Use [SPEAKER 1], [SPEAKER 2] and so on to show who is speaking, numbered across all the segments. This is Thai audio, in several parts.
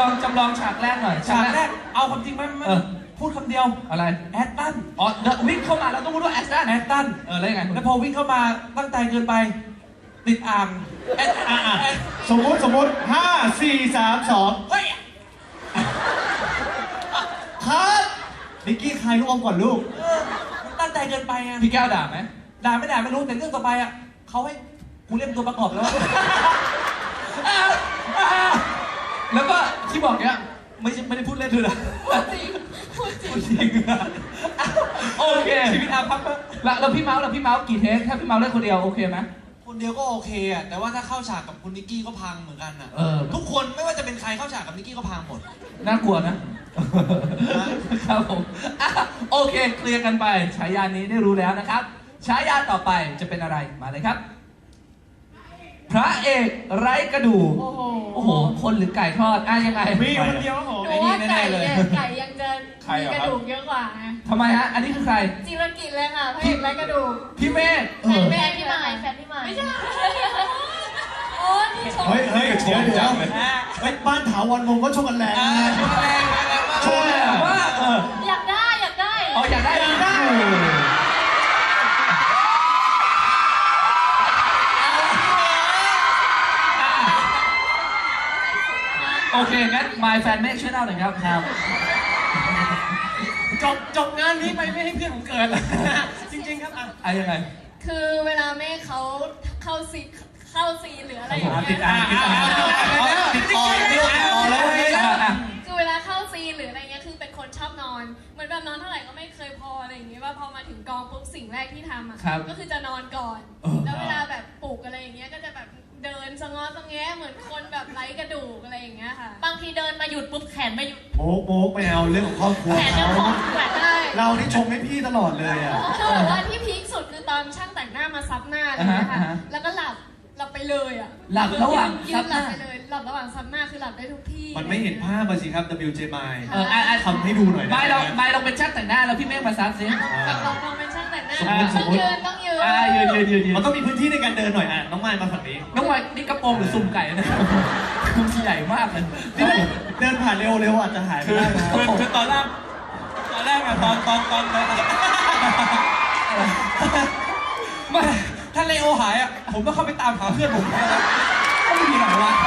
[SPEAKER 1] ลองฉากแรกหน่อย
[SPEAKER 2] ฉากแรกเอาความจริงไหมพูดคำเดียว
[SPEAKER 1] อะไร
[SPEAKER 2] แอตตัน
[SPEAKER 1] อ๋อวิ่งเข้ามาเราต้องพูดว่าแอตตันแล้วยังไง
[SPEAKER 2] แล้วพอวิ่งเข้ามาตั้งใจเกินไปติดอ่าง
[SPEAKER 3] สมมติ5 4 3 2
[SPEAKER 2] เฮ้ย
[SPEAKER 3] ครับนิกกี้ใครลูกอมก่อนลูก
[SPEAKER 2] มันตั้งใจเกินไปอ่ะ
[SPEAKER 1] พี่แก้วด่าไหม
[SPEAKER 2] ด่าไม่รู้แต่เรื่องต่อไปอ่ะเขาให้กูเล่นตัวประกอบแล้ว
[SPEAKER 1] แล้วก็ที่บอกเนี้ยไม่ได้พูดเล่นด้วยนะพูดจริงโอเค
[SPEAKER 2] ชีวิตอาภัพ
[SPEAKER 1] แล้วพี่เมาส์กี่เทคถ้าพี่เมาส์เล่นคนเดียวโอเคไหม
[SPEAKER 2] คนเดียวก็โอเคอ่ะแต่ว่าถ้าเข้าฉากกับคุณนิกกี้ก็พังเหมือนกันอ่ะทุกคนไม่ว่าจะเป็นใครเข้าฉากกับนิกกี้ก็พังหมด
[SPEAKER 1] น่ากลัวนะครับผมโอเคเคลียร์กันไปฉายานี้ได้รู้แล้วนะครับฉายาต่อไปจะเป็นอะไรมาเลยครับพระเอกไร้กระดูกโอ้โหคนหรือไก่ทอดยังไง
[SPEAKER 3] มีคนเดียวครับผม
[SPEAKER 4] ไอ้นี่แน่ๆเลยไก่ยังจะมีกระดูกเยอะกว่าไง
[SPEAKER 1] ทำไมฮะอันนี้คือใคร
[SPEAKER 4] จิรกิจเลยค่ะพระเอกไร้กระดูก
[SPEAKER 1] พี่เมฆ
[SPEAKER 4] แฟนพี่ใหม่ไม่ใช่โอ้ที่ชม
[SPEAKER 3] เฮ้ยเฮ้ยบ้านถาวรวงศ์ก็ชกกันแรง
[SPEAKER 1] โชว์เลยว่า
[SPEAKER 4] อยากได้
[SPEAKER 1] อยากได้โอเคงั้น My Fan เมฆช่วยเล่าหน่อยครับ
[SPEAKER 2] จบงานนี้ไปไม่ให้เพื่อนผมเกิดเลยจริงๆครับ
[SPEAKER 1] ยังไง
[SPEAKER 4] คือเวลาแม่เขาเข้าซีนหรืออะไรอย่างเงี้ย
[SPEAKER 3] ติดอ่างแล้ว
[SPEAKER 4] คือเวลาเข้าซีนหรืออะไรเงี้ยคือเป็นคนชอบนอนเหมือนแบบนอนเท่าไหร่ก็ไม่เคยพออะไรอย่างเงี้ยว่าพอมาถึงกองปุ๊บสิ่งแรกที่ทำอ่ะก็คือจะนอนก่อนแล้วเวลาแบบปลุกอะไรอย่างเงี้ยก็จะแบบเดินสะง้อสะแงะเหมือนคนแบบไร้กระดูกอะไรอย่างเงี้ยค่ะบางทีเดินมาหยุดปุ๊บแขนไม่หยุด
[SPEAKER 3] โบ๊กไม่เอาเรื่องของครอบครัว
[SPEAKER 4] แขนจะพองแขนได้
[SPEAKER 3] เรานี่ชมให้พี่ตลอดเลยอ่ะ
[SPEAKER 4] คือแบบว่าที่พีคสุดคือตอนช่างแต่งหน้ามาซับหน้าอะไรอย่างเงี้ยค่ะแล้วก็หลับไปเลยอ่ะ
[SPEAKER 1] หลับระหว่าง
[SPEAKER 4] ซับหน้าไปเลยหลับระหว่างซับหน้าคือหลับได้ทุกที่
[SPEAKER 3] มันไม่เห็นภาพสิครับ WJ ทำให้ดูหน่อย
[SPEAKER 1] ไม่ลองเป็นช่างแต่งหน้าแล้วพี่เมฆมาซับซิ
[SPEAKER 4] ลองเป็นช่างแต่งหน้าต้องยืน
[SPEAKER 3] มันต้องมีพื้นที่ในการเดินหน่อยน้องไม้มาฝั่งนี้
[SPEAKER 1] น้องไม้นี่กระโปรงหรือซุ่มไก่นะคุ้มใหญ่มากเลย
[SPEAKER 3] เดินผ่านเร็วอาจจะหายไปได้นะ
[SPEAKER 2] คือตอนแรกอะตอนไม่ถ้าเลโอหายอ่ะผมต้องเข้าไปตามหาเพื่อนผมก็ไม่มีไหนวะ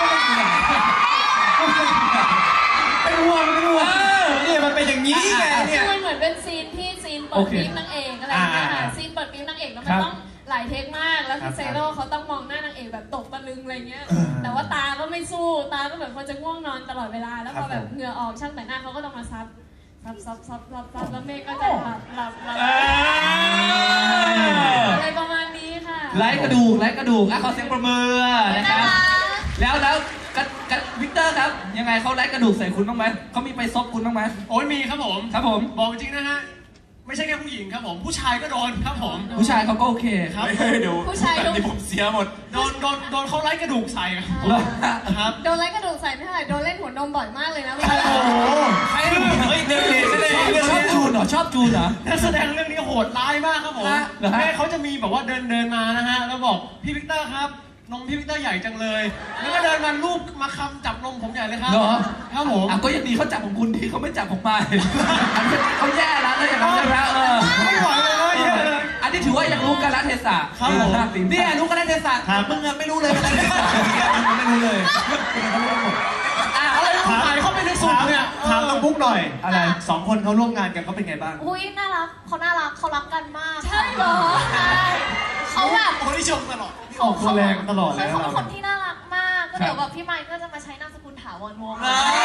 [SPEAKER 2] เป็นห่วงนี่มันเป็นอย่างนี้ไงเนี่ย
[SPEAKER 4] มันเหมือนเป็นซีนเปิดปี๊บนางเอกอะไรอย่างเงี้ยค่ะซีนเปิดปี๊บนางเอกแล้วมันต้องหลายเทคมากแล้วคือเซโร่เขาต้องมองหน้านางเอกแบบตกตะลึงอะไรเงี้ยแต่ว่าตาก็ไม่สู้ตาก็เหมือนคนจะง่วงนอนตลอดเวลาแล้วพอแบบเหงื่อออกช่างแต่งหน้าเขาก็ต้องมาซับแล้วเมฆก็จะหลับอะไรประมาณนี้ค่ะ
[SPEAKER 1] ไร้กระดูกขอเสียงประมือนะครับแล้ววิกเตอร์ครับยังไงเขาไร้กระดูกใส่คุณบ้างไหมเขามีไปซบคุณบ้างไหม
[SPEAKER 2] โอ้ยมีครับผมบอกจริงนะฮะไม่ใช่แค่ผู้หญิงครับผมผู้ชายก็โดนครับผม
[SPEAKER 1] ผู้ชายเขาก็โอเค
[SPEAKER 2] ครับเดี๋ยว
[SPEAKER 4] ผู้ชาย
[SPEAKER 2] แบบนี้ผมเสียหมดโดนเขาไล่กระดูกใส่ครับ
[SPEAKER 4] โดนไล่กระดูกใส่ไม่เท่าไหร่โดนเล่นหัวนมบ่อยมากเลยนะโ
[SPEAKER 2] อ้โหใคร
[SPEAKER 1] ชอบจูนเหรอ
[SPEAKER 2] นักแสดงเรื่องนี้โหดร้ายมากครับผมแม่เขาจะมีแบบว่าเดินมานะฮะแล้วบอกพี่วิกเตอร์ครับนมพี่วิกเตอร์ใหญ่จังเลยแล้วก็เดินมาลูบมาคำจับนมผมใหญ่เลยครับครับผม
[SPEAKER 1] ก็ยังดีเขาจับของคุณดีเขาไม่จับของมาเขาแย่แล้วอย่างนั้นแล้ว
[SPEAKER 2] ไม่ไหวเลย
[SPEAKER 1] อันนี้ถือว่ายังรู้กันละเทศะ
[SPEAKER 2] ครับผมเนี่ยรู้กันละเทศะมึงไม่รู้เลยอะไรไม่รู้เลยอะไรถ่ายเข้าไปในสูตรเนี่ย
[SPEAKER 3] ถามน้องบุ๊กหน่อยอะไร2 คนเขาร่วมงานกันเขาเป็นไงบ้าง
[SPEAKER 4] อุ้ยน่ารักเขารักกันมากใช่เหรอใช่เขาแบบ
[SPEAKER 2] คนที่ชมตลอด
[SPEAKER 3] เขาแรงตลอดเลย
[SPEAKER 4] เขาเป็นคนที่น่ารักมากก็เดี๋ยวแบบพี่ไมค์ก็จะมาใช้นามสกุลถาวรวงศ์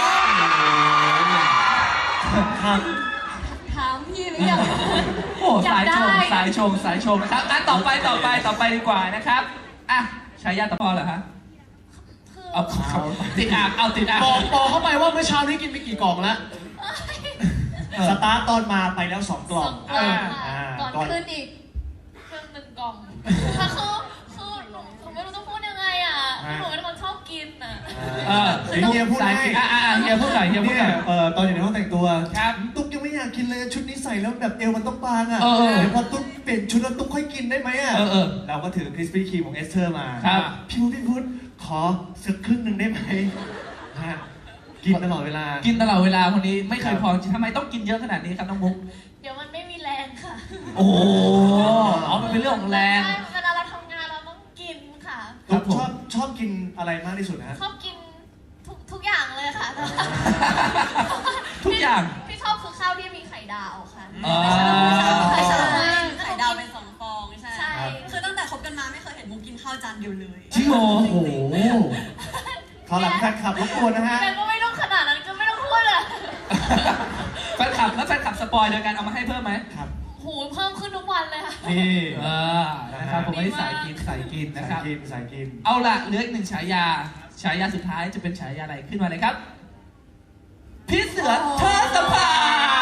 [SPEAKER 4] ถามพี่หรือยัง
[SPEAKER 1] โอ้สายชงนะครับต่อไปดีกว่านะครับฉายาต่อเหรอฮะเอาติดอ่าง
[SPEAKER 2] บอกเข้าไปว่าเมื่อเช้านี้กินไปกี่กล่องแล้ว
[SPEAKER 3] สตาร์ตตอนมาไปแล้ว2 กล่อง
[SPEAKER 4] ก่อนขึ้นอีกเครื่อง1 กล่องถ้าคือผมไม่รู้ต้องพูดยังไงหนูเป็นคนชอบกิน
[SPEAKER 3] เฮียพูดให้
[SPEAKER 1] เฮียพูดหน่อย
[SPEAKER 3] ตอนอยู่ในห้องแต่งตัวตุ๊กยังไม่อยากกินเลยชุดนี้ใส่แล้วแบบเอวมันต้องบางเดี๋ยวพอตุ๊กเปลี่ยนชุดแล้วตุ๊กค่อยกินได้ไหมเราก็ถือคริสปี้ครีมของเอสเธอร์มาพี่พุทธขอสักครึ่งหนึ่งได้ไหมกินตลอดเวลา
[SPEAKER 1] กินตลอดเวลาคนนี้ไม่เคยพอทำไมต้องกินเยอะขนาดนี้ครับน้องมุก
[SPEAKER 4] เดี๋ยวมันไม่มีแรงค่ะ
[SPEAKER 1] โอ้โหอ๋อมันเป็นเรื่องของแรง
[SPEAKER 4] ใช่เวลาเราทำงานเราต้องกินค่ะ
[SPEAKER 1] ครับผม
[SPEAKER 3] ชอบกินอะไรมากที่สุดฮะ
[SPEAKER 4] ชอบกินทุกอย่างเลยค่ะ
[SPEAKER 1] ทุกอย่าง
[SPEAKER 4] ที่ชอบคือข้าวที่มีไข่ดาวค่ะ
[SPEAKER 1] อ๋อ
[SPEAKER 4] ไข่ดาว
[SPEAKER 5] ไข่ดาวเป็น2 ฟองใช่
[SPEAKER 4] ใช่
[SPEAKER 5] คือตั้งแต่คบกันมาไม่เคยเห็นมุกกินข้าวจานเดียวเลย
[SPEAKER 1] จริงเหรอ
[SPEAKER 3] โอ้โหขอหลังแฟนคลับรบกวนนะฮะ
[SPEAKER 4] แต่ก็ไม่ต้องขนาดนั้นก็ไม่ต้องพูดอ่ะ
[SPEAKER 1] แฟนคลับแล้วแฟนคลับสปอยโดยการเอามาให้เพิ่มไหม
[SPEAKER 3] ครับ
[SPEAKER 4] หูเพิ่มขึ้นทุกวันเลยค่ะ
[SPEAKER 3] นี่
[SPEAKER 1] นะครับผมไม่ได้สายกินสายกินนะครับ
[SPEAKER 3] สายกิน
[SPEAKER 1] เอาล่ะเหลืออีกหนึ่งฉายา ฉายาสุดท้ายจะเป็นฉายาอะไรขึ้นมาเลยครับ พี่เสือเธอสภา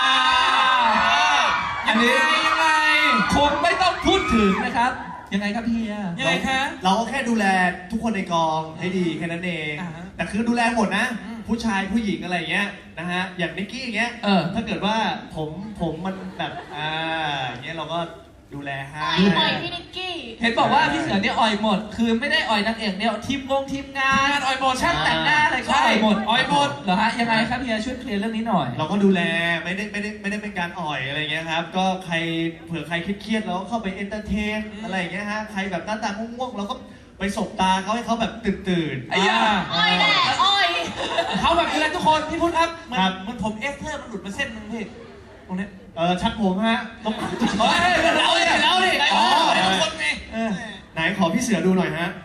[SPEAKER 1] อันนี้ยังไงคงไม่ต้องพูดถึงนะครับ ยังไงครับพี่เฮียยังไงคะ
[SPEAKER 3] เราก็แค่ดูแลทุกคนในกองให้ดีแค่นั้นเอง
[SPEAKER 1] อ่าฮะ
[SPEAKER 3] แต่คือดูแลหมดนะ
[SPEAKER 1] อืม
[SPEAKER 3] ผู้ชายผู้หญิงอะไรอย่างเงี้ยนะฮะ อย่างนิกกี้อย่างเงี้ย ถ้าเกิดว่าผมมันแบบอย่างเงี้ยเราก็ดูแลให้
[SPEAKER 4] อ่อยพี่นิกกี้
[SPEAKER 1] เห็นบอกว่าพี่เสือเนี่ยอ่อยหมด คือไม่ได้อ่อยนางเอกเนี่ยทีมงานอ่อยหมดช่างแต่งหน้าอะไรก็อ่อยหมดเหรอฮะยังไงครับพี่เฮียช่วยเคลียร์เรื่องนี้หน่อย
[SPEAKER 3] เราก็ดูแลไม่ได้เป็นการอ่อยอะไรเงี้ยครับ ก็ใครเผื่อใครเครียดๆเราก็เข้าไปเอนเตอร์เทนอะไรอย่างเงี้ยฮะ ใครแบบหน้าตาง่วงๆเราก็ไปสบตาเขาให้เขาแบบตื่น
[SPEAKER 1] ไอ้ย่า
[SPEAKER 4] อ้อยแหละอ้อย
[SPEAKER 1] เขาแบบนี้แหละทุกคนพี่พูดครับ
[SPEAKER 3] ครับ
[SPEAKER 1] มันผมเอฟเทอร์มันหลุดมาเส้นนึงพี่ตรงนี้
[SPEAKER 3] ชักผมฮะต้อง
[SPEAKER 1] เราดิอ๋อทุกคนไง
[SPEAKER 3] ไหนขอพี่เสือดูหน่อยฮะ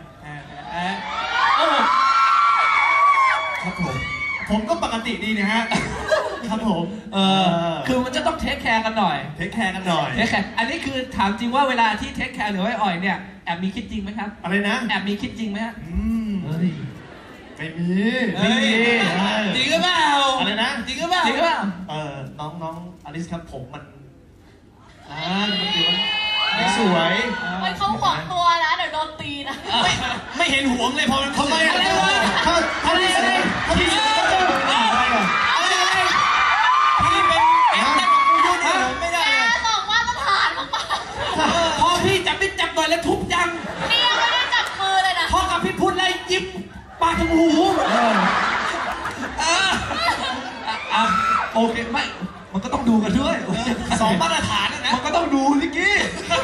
[SPEAKER 3] ครับผมก็ปกติดีนะฮะ ครับผม
[SPEAKER 1] คือมันจะต้องเทคแคร์กันหน่อย
[SPEAKER 3] เทคแคร์กันหน่อย
[SPEAKER 1] เทคแคร์อันนี้คือถามจริงว่าเวลาที่เทคแคร์หรือว่าอ่อยเนี่ยแอบมีคิดจริงไหมครับ
[SPEAKER 3] อะไรนะ
[SPEAKER 1] แอบมีคิดจริงไหมฮะ
[SPEAKER 3] ไม่มี
[SPEAKER 1] จริงหรือเปล่า
[SPEAKER 3] อะไรนะ
[SPEAKER 1] จริงหรือเปล่าจริงหรือเปล่า
[SPEAKER 3] น้องอลิสครับผมมันไม่สวย
[SPEAKER 4] มันเขาหวงตัวนะเดี๋ยวโดนตีนะ
[SPEAKER 2] ไม่เห็นหวงเลยพอมัน
[SPEAKER 3] ทำไม
[SPEAKER 1] อะไรวะ
[SPEAKER 3] ถ้าพี่เสืออะไรอ่ะ
[SPEAKER 2] พี่เป็นแอปแต่ของกูยุ่งเลยไม่ได้
[SPEAKER 4] แก
[SPEAKER 2] เลย
[SPEAKER 4] สองมาตรฐานมาก
[SPEAKER 1] พอพี่จับไม่จับหน่อยแล้วทุบยัง
[SPEAKER 4] ๆนี่ยังไม่ได้จับมือเลยนะ
[SPEAKER 1] พอกับพี่พุทธเลยยิ้มปากถึงหู โอเคไม่ มันก็ต้องดูกันด้วย
[SPEAKER 2] 2 มาตรฐานนะ
[SPEAKER 1] มันก็ต้องดูลิกกี้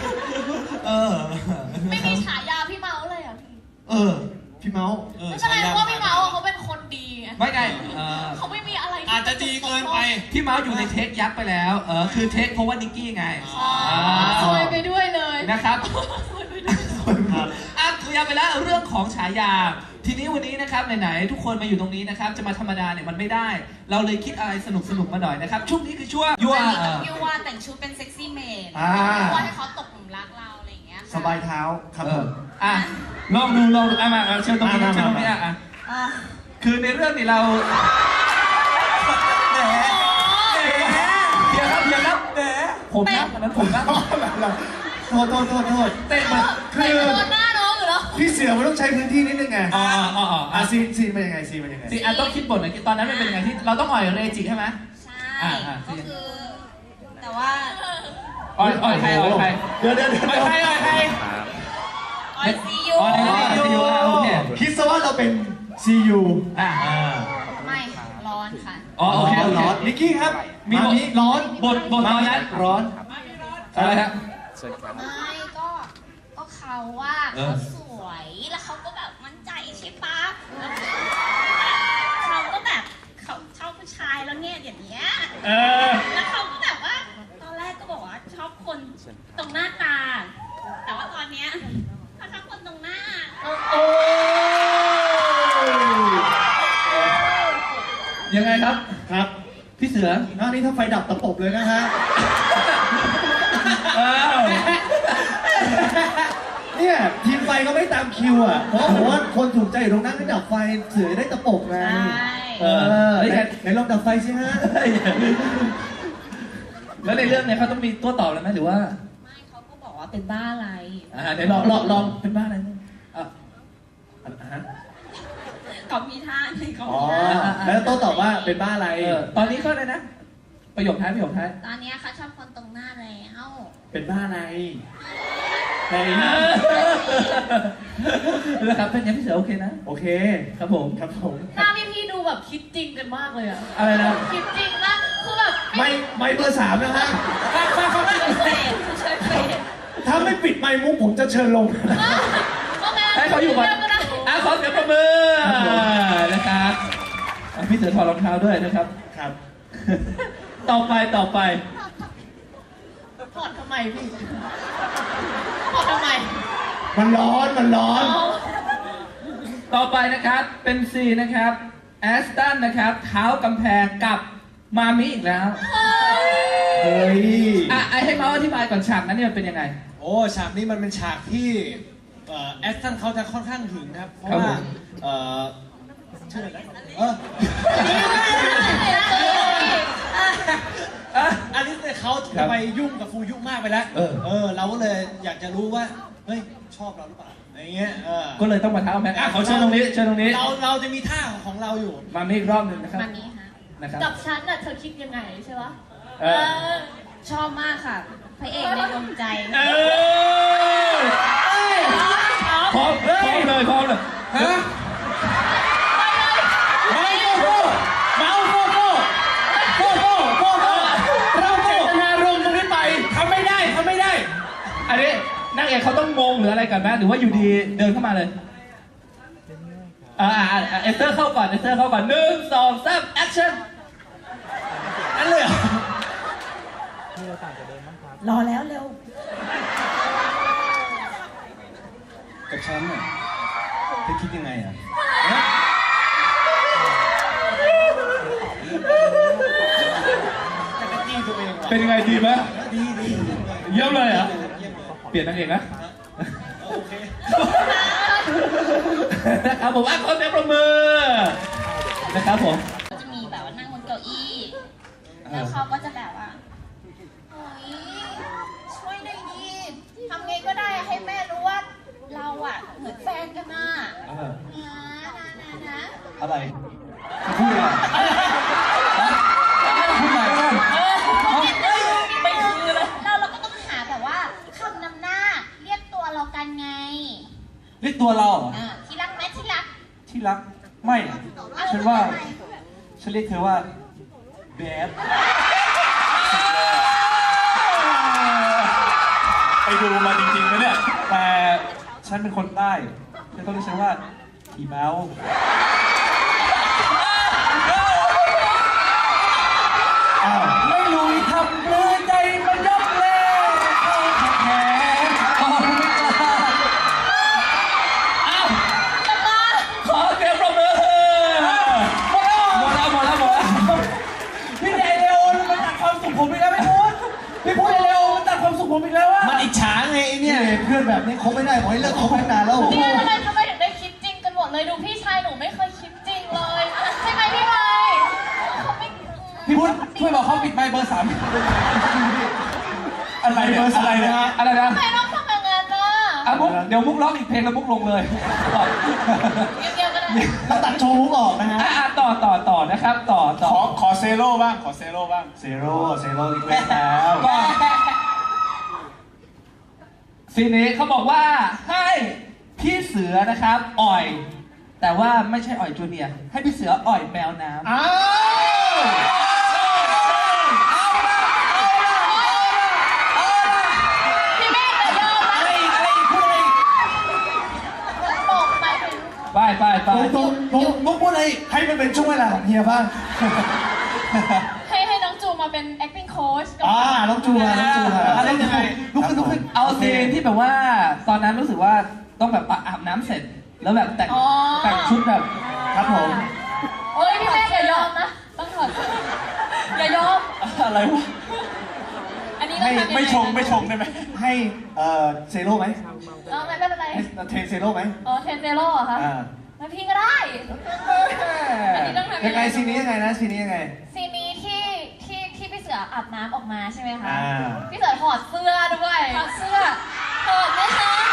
[SPEAKER 4] ไม่มีฉายาพี่เมาส์เลยอ่ะพี่
[SPEAKER 3] พี่เมาส์
[SPEAKER 4] ไม่เป็นไรเพราะว่าพี่เมาส์เขาเป็นคนดีไง
[SPEAKER 1] ไม่ไง
[SPEAKER 4] เขาไม่มีอะไรที่
[SPEAKER 2] อาจจะดีเกินไป
[SPEAKER 1] พี่เมาส์อยู่ในเทคยักษ์ไปแล้ว คือเทคเพราะว่านิกกี้ไง
[SPEAKER 4] ซวยไปด้วยเลย
[SPEAKER 1] นะครับ
[SPEAKER 4] ซวยไปด้วย
[SPEAKER 1] เคลียร์ไปแล้วเรื่องของฉายา ทีนี้วันนี้นะครับไหนๆทุกคนมาอยู่ตรงนี้นะครับ จะมาธรรมดาเนี่ยมันไม่ได้ เราเลยคิดอะไรสนุกมาหน่อยนะครับ ช่วงนี้คือช่วงยั่ว
[SPEAKER 5] ยูว่าแต่งชุดเป็นเซ็กซี่เมด
[SPEAKER 4] ว่าให้เขาตกหลุมรักเราอะไรอย่างเงี้ยค่ะ
[SPEAKER 3] สบายเท้าครับผม
[SPEAKER 1] ลองดูมาเชิญตรงนี้เชิญตรงนี้คือในเรื่องนี้เราเดี๋ยวครับผมนะอันนั้นผมนะ
[SPEAKER 3] โทษเตะมันคือ
[SPEAKER 4] โดนหน้าน้องอยู่แล้ว
[SPEAKER 3] พี่เสือมันต้องใช้พื้นที่นิดนึงไง ซีนเป็นยังไง
[SPEAKER 1] สิต้องคิดบทหน่อยตอนนั้นมันเป็นยังไงที่เราต้องอ่อยเรจิใช่ไหม
[SPEAKER 5] ใช่ก็คือ แต่ว่า
[SPEAKER 1] อ่อยใคร
[SPEAKER 3] เดี๋ยว
[SPEAKER 1] อ่อยใคร
[SPEAKER 5] ออยซียู
[SPEAKER 1] โอเค
[SPEAKER 3] คิดซะว่าเราเป็น CU
[SPEAKER 5] ไม่ร้อนค่ะ
[SPEAKER 1] โอเค
[SPEAKER 3] ร้อนนิกกี้ครับมีร้อน
[SPEAKER 1] บทตอนนั้นร้อนอะไรฮะ
[SPEAKER 5] ไม่ก็เขาว่าเขาสวยแล้วเขาก็แบบมั่นใจใช่ปะแล้วเขาก็แบบเขาชอบผู้ชายแล้วเนี่ยอย่างเงี้ยแล้วเขาก็แบบว่าตอนแรกก็บอกว่าชอบคนตรงหน้าตา แต่ว่าตอนเนี้ยเขาชอบคนตรงหน้า
[SPEAKER 1] ยังไงครับ
[SPEAKER 3] ครับ
[SPEAKER 1] พี่เสือ
[SPEAKER 3] หน้านี้ถ้าไฟดับตะปบเลยนะฮะเนี่ยทีมไฟก็ไม่ตามคิวอ่ะ เพราะผมว่าคนถูกใจอยู่ตรงนั้นก็ดับไฟเสือได้ตะปบไงไหนลองดับไฟสิฮะ
[SPEAKER 1] แล้วในเรื่องเนี่ยเขาต้องมีตัวต่อแล้วไหมหรือว่า
[SPEAKER 5] ไม่เขาก็บอกว่าเป็นบ้าอะไร
[SPEAKER 1] เดี๋ยวลองเป็นบ้าอะไรเนี่ย
[SPEAKER 5] เขามีท่าในเขา
[SPEAKER 3] อ๋อแล้วโต้ตอบว่าเป็นบ้าอะไร
[SPEAKER 1] ตอนนี้เขาเลยนะประโยคท้ายประโยคท้าย
[SPEAKER 5] ตอนเนี้ยเขาชอบคนตรงหน้าแล้ว
[SPEAKER 2] เป็นบ้าอะไร
[SPEAKER 1] แล้วครับเป็นยังพี่เสือโอเคนะ
[SPEAKER 2] โอเค
[SPEAKER 1] ครับผม
[SPEAKER 2] ครับผม
[SPEAKER 4] หน้าพี่ดูแบบคิดจริงกันมากเลยอะ
[SPEAKER 1] อะไรนะ
[SPEAKER 4] คิดจริงมากคือแบบ
[SPEAKER 2] ไม่เบอร์3นะฮะ
[SPEAKER 4] เฟดเฉยเฟด
[SPEAKER 2] ถ้าไม่ปิดไมค์มุกผมจะเชิญลง
[SPEAKER 4] โอเค
[SPEAKER 1] ให้เขาอยู่ก่อน
[SPEAKER 4] ก็ได้
[SPEAKER 1] ขอเสียงปรบมือนะครับพี่เสือถอดรองเท้าด้วยนะครับ
[SPEAKER 2] ครับ
[SPEAKER 1] ต่อไป
[SPEAKER 4] ถอดทำไมพี่ถอดทำไม
[SPEAKER 2] มันร้อน
[SPEAKER 1] ต่อไปนะครับ เป็นซีนะครับ แอสตันนะครับ เท้ากำแพงกับมามิอีกแล้ว
[SPEAKER 2] เฮ้ย
[SPEAKER 1] ให้เมาส์อธิบายก่อนฉากนั้นเนี่ยมันเป็นยังไง
[SPEAKER 2] โอ้ฉากนี้มันเป็นฉากที่แอสตันเขาจะค่อนข้างถึงนะครับ เพราะ
[SPEAKER 1] ครับ
[SPEAKER 2] ว่า
[SPEAKER 1] ผม
[SPEAKER 2] ชื่ออะไรนะอันนี้เนี่ยเขาจะไปยุ่งกับฟูยุมากไปแล้ว เราก็เลยอยากจะรู้ว่า เฮ้ย ชอบเราหรือเปล่าอะไรเงี้ย
[SPEAKER 1] ก็เลยต้องมาเท้าแม็กขอเชิญตรงนี้เชิญตรงนี้
[SPEAKER 2] เราจะมีท่าของเราอยู่
[SPEAKER 1] มามิอีกรอบหนึ่งนะครับ
[SPEAKER 5] มามีค่ะ
[SPEAKER 1] นะครับ
[SPEAKER 4] กับฉันน่ะเธอคิดยังไงใช่ปะ
[SPEAKER 5] ชอบมากค่ะ พระเอกในดวงใจ
[SPEAKER 1] พร้อมเลยฮะเราเจตนารมณ์ตรงนี้ไปทำไม่ได้อันนี้นางเอกเขาต้องงงหรืออะไรกันไหมหรือว่าอยู่ดีเดินเข้ามาเลยเอสเตอร์เข้าก่อน1 2 3 แอคชั่นอันเลยเหรอ
[SPEAKER 4] รอแล้วเร็ว
[SPEAKER 2] กับฉันน่ะเธอคิดยังไงอ่ะจะกระจี้ตัวเองว่ะ
[SPEAKER 1] เป็นยังไงดีไหม
[SPEAKER 2] ดี
[SPEAKER 1] เยี่ยมเลยเหรอเปลี่ยนนางเอกนะ
[SPEAKER 2] โอเค
[SPEAKER 1] นะครับผมขอเสียงปรบมือนะครับผม
[SPEAKER 5] ก็จะมีแบบว่านั่งบนเก้าอี้ แล้วเขาก็จะแบบว่าโอ้ยช่วยหน่อยดิทำไงก็ได้ให้แม่รู้ว่าเราอะเหมือนแฟนกันน่ะนะ
[SPEAKER 2] อะไรพูดอะไรพูดอะไร
[SPEAKER 5] ไม่คือเลยเราก็ต้องหาแบบว่าคำนำหน้าเรียกตัวเรากันไง
[SPEAKER 2] เรียกตัวเราเหรอ
[SPEAKER 5] ที่รักไหมที่รัก
[SPEAKER 2] ที่รักไม่ฉันว่าฉันเรียกเธอว่าแบดไปดูมาจริงๆนะเนี่ยแต่ฉันเป็นคนใต้ฉันต้องเรียกฉันว่าอีเมาไม่ลุยทำเลยใจมันยับเลยแพ้
[SPEAKER 1] ขอเสียงปรบมือหมดแล้ว
[SPEAKER 2] พี่เดเลโอมันตัดความสุขผมอีกแล้วพี่พูดเดเลโอมันตัดความสุขผมอีกแล้วอะมันอิจฉาไงไอ้เนี่ยเพื่อนแบบนี้คบไม่ได้ขอให้เลิกคบตั้งนานแล้ว
[SPEAKER 4] นี่ทำไมถึงได้คิดจริงกันหมดเลยดูพี่ชายหนูไม่เคยคิดจริงเลยใช่ไหมพี่ไมค์เขาไม่
[SPEAKER 2] พี่พูดช่วยบอกเขาปิดไมค์เบอร์ 3อะไรเบอร์ 3เนี่ย
[SPEAKER 1] อะไรนะ
[SPEAKER 4] ทำไมต้องทำอย่างนั้นน่ะ
[SPEAKER 1] มุกเดี๋ยวมุกร้องอีกเพลงแล้วมุกลงเลย
[SPEAKER 4] เดียวกันเลย
[SPEAKER 2] เราตัดโชว์มุกออกนะฮะ
[SPEAKER 1] ต่อนะครับต่อ
[SPEAKER 6] ขอเซโร่บ้าง ขอเซโร่บ้าง
[SPEAKER 2] เซโร่อีกแล้ว
[SPEAKER 1] ก็ซีนนี้เขาบอกว่าให้พี่เสือนะครับอ่อย แต่ว่าไม่ใช่อ่อยจูเนียร์ให้พี่เสืออ่อยแมวน้ำ
[SPEAKER 2] อ้าว
[SPEAKER 4] พี่เมฆจะยอมไหม
[SPEAKER 2] อะไรอีกพูดอะไรอีก
[SPEAKER 4] บอกไปถึง
[SPEAKER 1] ไป
[SPEAKER 2] ตรงมุกพูดอะไรอีกให้มันเป็นช่วงเวลาของเฮียบ้าง
[SPEAKER 4] ให้น้องจูมาเป็น acting coach กับ
[SPEAKER 2] น้องจูมาอะไรยังไงลุกขึ้น
[SPEAKER 1] เอาซีนที่แบบว่าตอนนั้นรู้สึกว่าต้องแบบอาบน้ำเสร็จ แล้วแบบแต่งชุดแบบ
[SPEAKER 2] ครับผม
[SPEAKER 4] เฮ้ยพี่เมฆอย่ายอมนะต้องถอดอย่ายอม
[SPEAKER 1] อะไรวะ
[SPEAKER 4] อันนี้ต้องทำยังไง
[SPEAKER 6] ไม่ชงได้ไหม
[SPEAKER 2] ให้เซโร่ไหม
[SPEAKER 4] ไม่เป็นไร
[SPEAKER 2] ให้เทรนเซโร่ไหม
[SPEAKER 4] เทนเซโร่เหรอคะแล้วพี่ก็ได้ อันนี้ต้องทำ
[SPEAKER 2] ยังไงซีนนี้ยังไงนะซีนนี้ยังไง
[SPEAKER 4] ซีนนี้ที่พี่เสืออาบน้ำออกมาใช่ไหมคะ
[SPEAKER 2] อ่า
[SPEAKER 4] พี่เสือถอดเสื้อด้วยถอดไหมคะ